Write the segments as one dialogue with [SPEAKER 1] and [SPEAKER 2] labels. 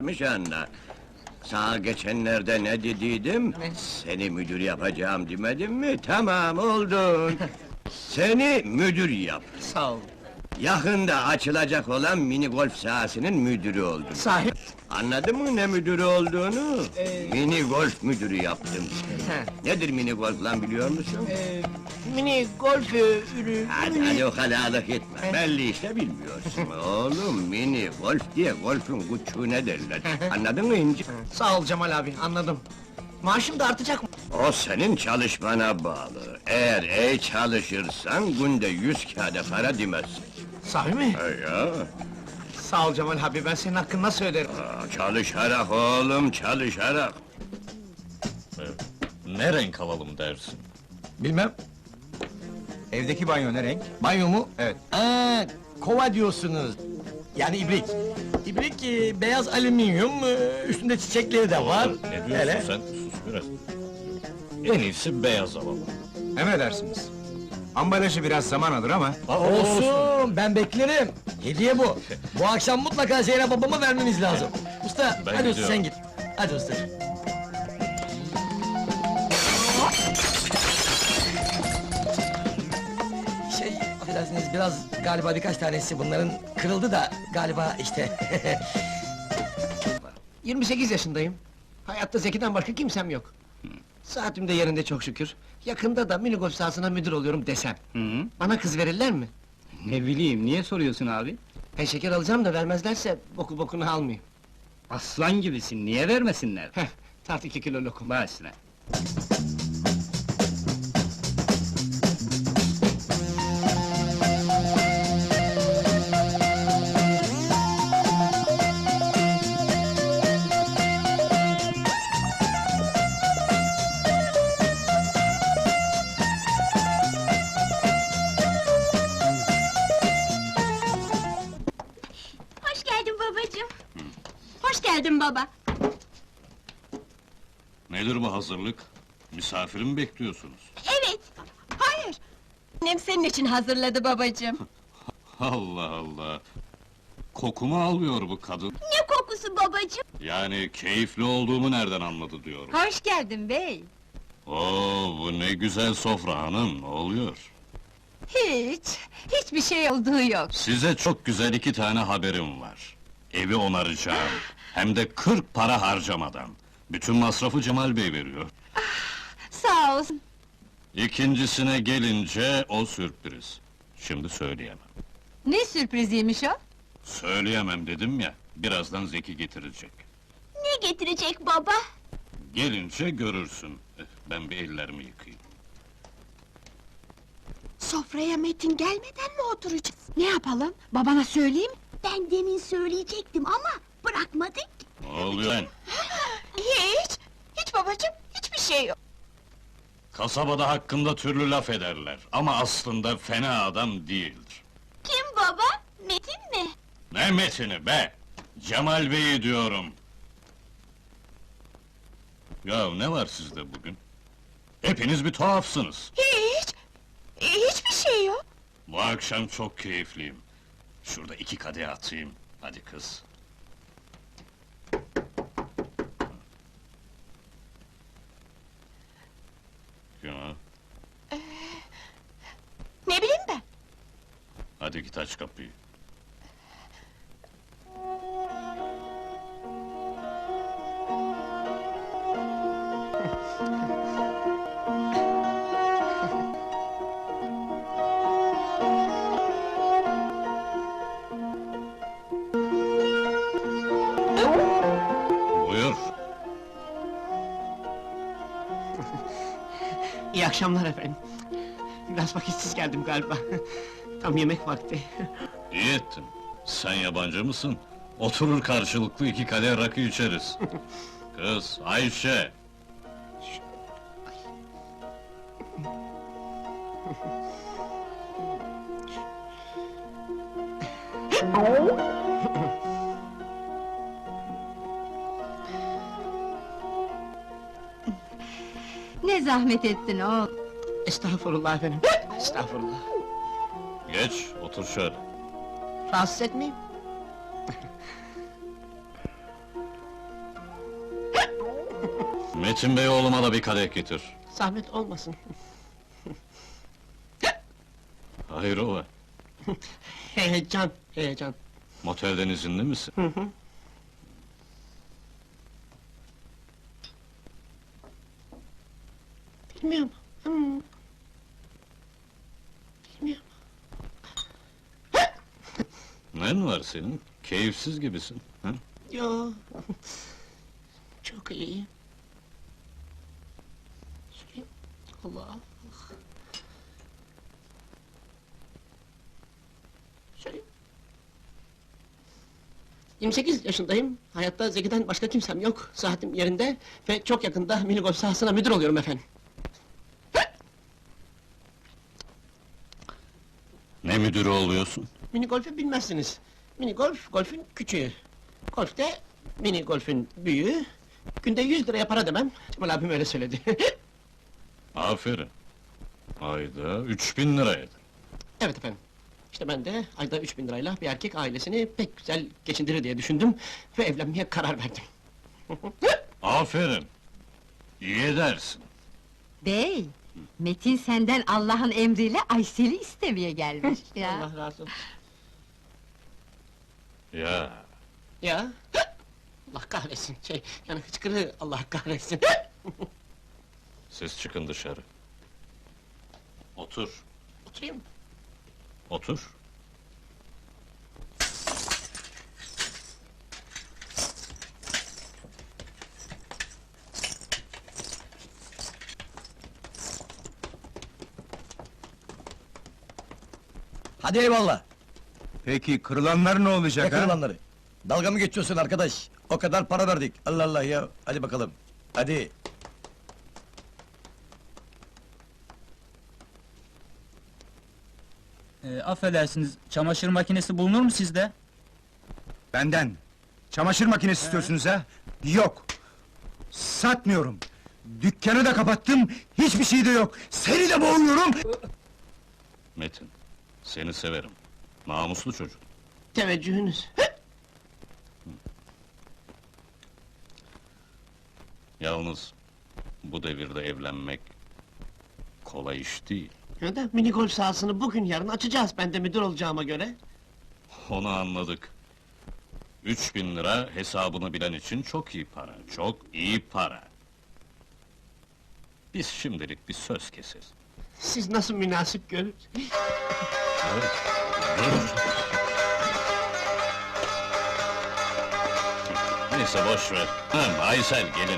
[SPEAKER 1] anla. Sana geçenlerde ne dediydim?
[SPEAKER 2] Ne?
[SPEAKER 1] Seni müdür yapacağım demedim mi? Tamam, oldun. Seni müdür yap.
[SPEAKER 2] Sağ ol.
[SPEAKER 1] Yakında açılacak olan mini golf sahasının müdürü oldun.
[SPEAKER 2] Sahip.
[SPEAKER 1] Anladın mı ne müdürü olduğunu?
[SPEAKER 2] Ee,
[SPEAKER 1] Mini golf müdürü yaptım seni.
[SPEAKER 2] He.
[SPEAKER 1] Nedir mini golf lan biliyor musun?
[SPEAKER 2] Mini golf ürü...
[SPEAKER 1] Hadi o kalalık etme, belli işte bilmiyorsun. Oğlum, mini golf diye golfün küçüğüne derler. Anladın mı İnci?
[SPEAKER 2] Sağ ol Cemal abi, anladım. Maaşım da artacak mı?
[SPEAKER 1] O senin çalışmana bağlı. Eğer iyi çalışırsan günde 100 kağıda para demezsin.
[SPEAKER 2] Sahi mi?
[SPEAKER 1] Ya,
[SPEAKER 2] Sağ ol Cemal abi, ben senin hakkını nasıl öderim?
[SPEAKER 1] çalışarak oğlum, çalışarak.
[SPEAKER 3] Ne renk alalım dersin?
[SPEAKER 4] Bilmem. Evdeki banyo ne renk?
[SPEAKER 2] Banyo mu?
[SPEAKER 4] Evet.
[SPEAKER 2] Kova diyorsunuz.
[SPEAKER 4] Yani ibrik. İbrik beyaz alüminyum, üstünde çiçekleri de var.
[SPEAKER 3] Ne diyorsun
[SPEAKER 4] Hele.
[SPEAKER 3] sen? Sus biraz. En iyisi beyaz alalım.
[SPEAKER 4] Emredersiniz. Ambalajı biraz zaman alır ama...
[SPEAKER 5] Olsun, ben beklerim. Hediye bu. Bu akşam mutlaka Zeynep babama vermemiz lazım. Usta,
[SPEAKER 3] Ben
[SPEAKER 5] hadi usta
[SPEAKER 3] gidiyorum.
[SPEAKER 5] sen git. Hadi usta. Affedersiniz, biraz galiba birkaç tanesi bunların kırıldı da galiba işte.
[SPEAKER 2] 28 yaşındayım. Hayatta Zeki'den başka kimsem yok. Saatim de yerinde çok şükür. Yakında da mini golf sahasına müdür oluyorum desem. Bana kız verirler mi?
[SPEAKER 6] Ne bileyim, niye soruyorsun abi?
[SPEAKER 2] Ben şeker alacağım da vermezlerse boku bokunu almayayım.
[SPEAKER 6] Aslan gibisin, niye vermesinler?
[SPEAKER 2] Heh, tart 2 kilo lokum.
[SPEAKER 6] Başla.
[SPEAKER 7] Hoş geldin babacığım. Hoş geldin baba.
[SPEAKER 3] Nedir bu hazırlık? Misafiri mi bekliyorsunuz?
[SPEAKER 7] Evet. Hayır. Annem senin için hazırladı babacığım.
[SPEAKER 3] Allah Allah! Kokumu alıyor bu kadın.
[SPEAKER 7] Ne kokusu babacığım?
[SPEAKER 3] Yani keyifli olduğumu nereden anladı diyorum.
[SPEAKER 7] Hoş geldin bey.
[SPEAKER 3] Oo, bu ne güzel sofra hanım, ne oluyor?
[SPEAKER 7] Hiçbir şey olduğu yok.
[SPEAKER 3] Size çok güzel 2 tane haberim var. Evi onaracağım, hem de 40 para harcamadan. Bütün masrafı Cemal Bey veriyor.
[SPEAKER 7] Sağ olsun.
[SPEAKER 3] İkincisine gelince o sürpriz. Şimdi söyleyemem.
[SPEAKER 7] Ne sürpriziymiş o?
[SPEAKER 3] Söyleyemem dedim ya, birazdan Zeki getirecek.
[SPEAKER 7] Ne getirecek baba?
[SPEAKER 3] Gelince görürsün. Ben bir ellerimi yıkayayım.
[SPEAKER 7] Sofraya Metin gelmeden mi oturacağız? Ne yapalım? Babana söyleyeyim? Ben demin söyleyecektim ama bırakmadık.
[SPEAKER 3] Ne oluyor lan?
[SPEAKER 7] Hiç babacığım, hiçbir şey yok.
[SPEAKER 3] Kasabada hakkında türlü laf ederler ama aslında fena adam değildir.
[SPEAKER 7] Kim baba? Metin mi?
[SPEAKER 3] Ne Metin'i be! Cemal Bey'i diyorum. Ya ne var sizde bugün? Hepiniz bir tuhafsınız.
[SPEAKER 7] Hiçbir şey yok.
[SPEAKER 3] Bu akşam çok keyifliyim. Şurada 2 kadeh atayım. Hadi kız. Ya,
[SPEAKER 7] Ne bileyim ben?
[SPEAKER 3] hadi git aç kapıyı. Buyur.
[SPEAKER 2] İyi akşamlar efendim. Biraz vakitsiz geldim galiba. Tam yemek vakti.
[SPEAKER 3] İyi ettin. Sen yabancı mısın? Oturur karşılıklı 2 kadeh rakı içeriz. Kız, Ayşe!
[SPEAKER 7] Ne zahmet ettin oğul.
[SPEAKER 2] Estağfurullah efendim. Estağfurullah.
[SPEAKER 3] Geç, otur şöyle.
[SPEAKER 2] Rahatsız etmeyeyim.
[SPEAKER 3] Metin Bey oğluma da bir kadeh getir.
[SPEAKER 2] Zahmet olmasın.
[SPEAKER 3] Hayrola?
[SPEAKER 2] Heyecan, heyecan.
[SPEAKER 3] Motelden izinli misin?
[SPEAKER 2] Bilmiyorum. Bilmiyorum.
[SPEAKER 3] Nen var senin? Keyifsiz gibisin. Ha?
[SPEAKER 2] Yo. Çok iyi. Söyleyeyim. Allah. Söyleyeyim. 28 yaşındayım. Hayatta Zeki'den başka kimsem yok. Saatim yerinde ve çok yakında mini golf sahasına müdür oluyorum efendim.
[SPEAKER 3] Ne müdürü oluyorsun?
[SPEAKER 2] Mini golfü bilmezsiniz. Mini golf, golfün küçüğü. Golfte mini golfün büyüğü. Günde 100 liraya para demem. Cemal abim öyle söyledi.
[SPEAKER 3] Aferin. Ayda 3000 lira eder.
[SPEAKER 2] Evet efendim. İşte ben de ayda 3000 lirayla bir erkek ailesini pek güzel geçindirir diye düşündüm ve evlenmeye karar verdim.
[SPEAKER 3] Aferin. İyi edersin.
[SPEAKER 8] Bey, Metin senden Allah'ın emriyle Aysel'i istemeye gelmiş ya.
[SPEAKER 2] Allah razı olsun.
[SPEAKER 3] Ya,
[SPEAKER 2] Ya. Allah kahretsin. Yani hıçkırığı Allah kahretsin.
[SPEAKER 3] siz çıkın dışarı. Otur,
[SPEAKER 2] Oturayım.
[SPEAKER 3] otur.
[SPEAKER 5] Hadi eyvallah.
[SPEAKER 9] Peki kırılanlar ne olacak
[SPEAKER 5] Ne kırılanları? Dalga mı geçiyorsun arkadaş? O kadar para verdik. Allah Allah ya. Hadi bakalım. Hadi.
[SPEAKER 6] Affedersiniz, çamaşır makinesi bulunur mu sizde?
[SPEAKER 9] Benden. Çamaşır makinesi istiyorsunuz ha? Yok. Satmıyorum. Dükkanı da kapattım, hiçbir şey de yok. Seni de boğuyorum.
[SPEAKER 3] Metin, seni severim. Namuslu çocuk.
[SPEAKER 2] Teveccühünüz.
[SPEAKER 3] Yalnız, bu devirde evlenmek kolay iş değil.
[SPEAKER 2] Ya da mini golf sahasını bugün yarın açacağız ben de müdür olacağıma göre.
[SPEAKER 3] Onu anladık. 3000 lira hesabını bilen için çok iyi para, çok iyi para. Biz şimdilik bir söz keseriz.
[SPEAKER 2] Siz nasıl münasip görür?
[SPEAKER 3] Evet, dur! Neyse boş ver. Aysel gelin.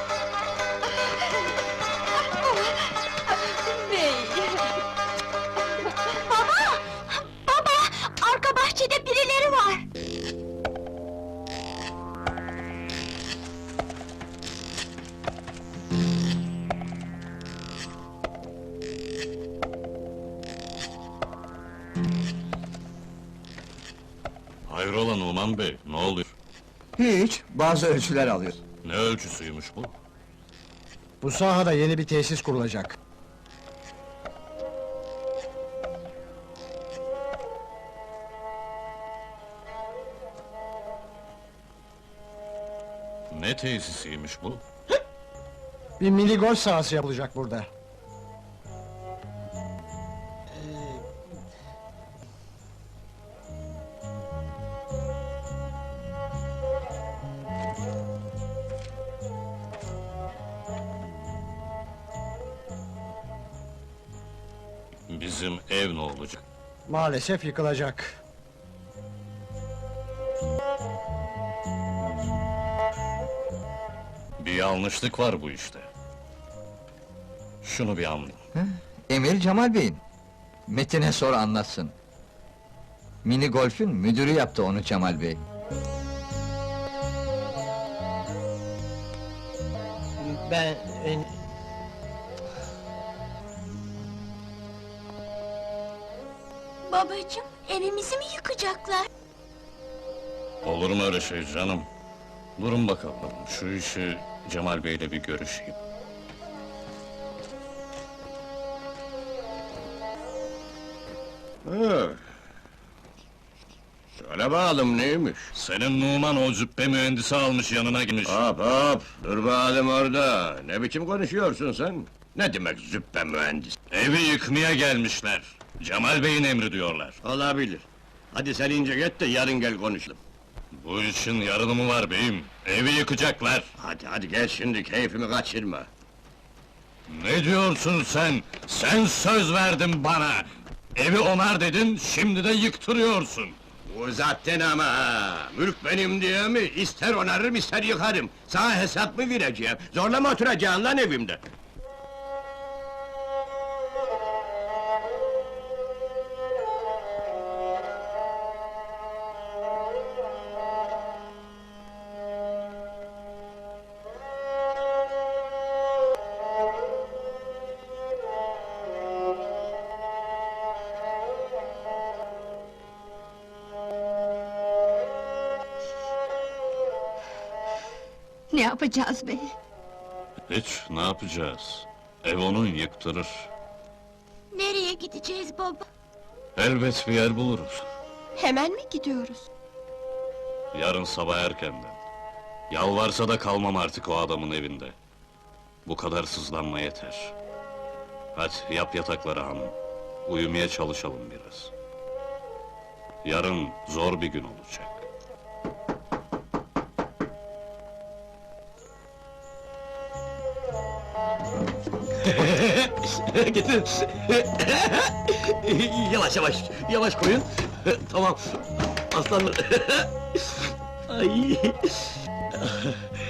[SPEAKER 8] Bey!
[SPEAKER 7] Baba! Baba! Arka bahçede birileri var!
[SPEAKER 3] Hayrola Numan Bey, ne oluyor?
[SPEAKER 9] Hiç, bazı ölçüler alıyor.
[SPEAKER 3] Ne ölçüsüymüş bu?
[SPEAKER 5] Bu sahada yeni bir tesis kurulacak.
[SPEAKER 3] Ne tesisiymiş bu?
[SPEAKER 5] Bir mini golf sahası yapılacak burada.
[SPEAKER 3] Bizim ev ne olacak?
[SPEAKER 5] Maalesef yıkılacak.
[SPEAKER 3] Bir yanlışlık var bu işte. Şunu bir anlayın.
[SPEAKER 10] Emir Cemal Bey'in. Metin'e sor anlatsın. Mini golfün müdürü yaptı onu Cemal Bey.
[SPEAKER 2] Ben...
[SPEAKER 7] Babacığım, evimizi mi yıkacaklar?
[SPEAKER 3] Olur mu öyle şey canım? Durun bakalım, şu işi Cemal Bey'le bir görüşeyim.
[SPEAKER 1] Söyle bakalım neymiş?
[SPEAKER 3] Senin Numan o cübbe mühendisi almış yanına girmiş.
[SPEAKER 1] Hop hop, dur bakalım orada. Ne biçim konuşuyorsun sen? Ne demek züppe mühendis?
[SPEAKER 3] Evi yıkmaya gelmişler. Cemal Bey'in emri diyorlar.
[SPEAKER 1] Olabilir. Hadi sen ince git de yarın gel konuşalım.
[SPEAKER 3] Bu işin yarını mı var beyim? Evi yıkacaklar.
[SPEAKER 1] Hadi gel şimdi, keyfimi kaçırma.
[SPEAKER 3] Ne diyorsun sen? Sen söz verdin bana! Evi onar dedin, şimdi de yıktırıyorsun!
[SPEAKER 1] Uzattın ama ha! Mülk benim diye mi? İster onarırım, ister yıkarım! Sana hesap mı vereceğim? Zorla mı oturacaksın lan evimde?
[SPEAKER 7] Ne yapacağız bey?
[SPEAKER 3] Hiç, ne yapacağız? Ev onun yıktırır.
[SPEAKER 7] Nereye gideceğiz baba?
[SPEAKER 3] Elbet bir yer buluruz.
[SPEAKER 7] Hemen mi gidiyoruz?
[SPEAKER 3] Yarın sabah erkenden. Yalvarsa da kalmam artık o adamın evinde. Bu kadar sızlanma yeter. Hadi yap yatakları hanım. Uyumaya çalışalım biraz. Yarın zor bir gün olacak.
[SPEAKER 4] Getir. Yavaş koyun. Tamam. Aslanlar. Ay.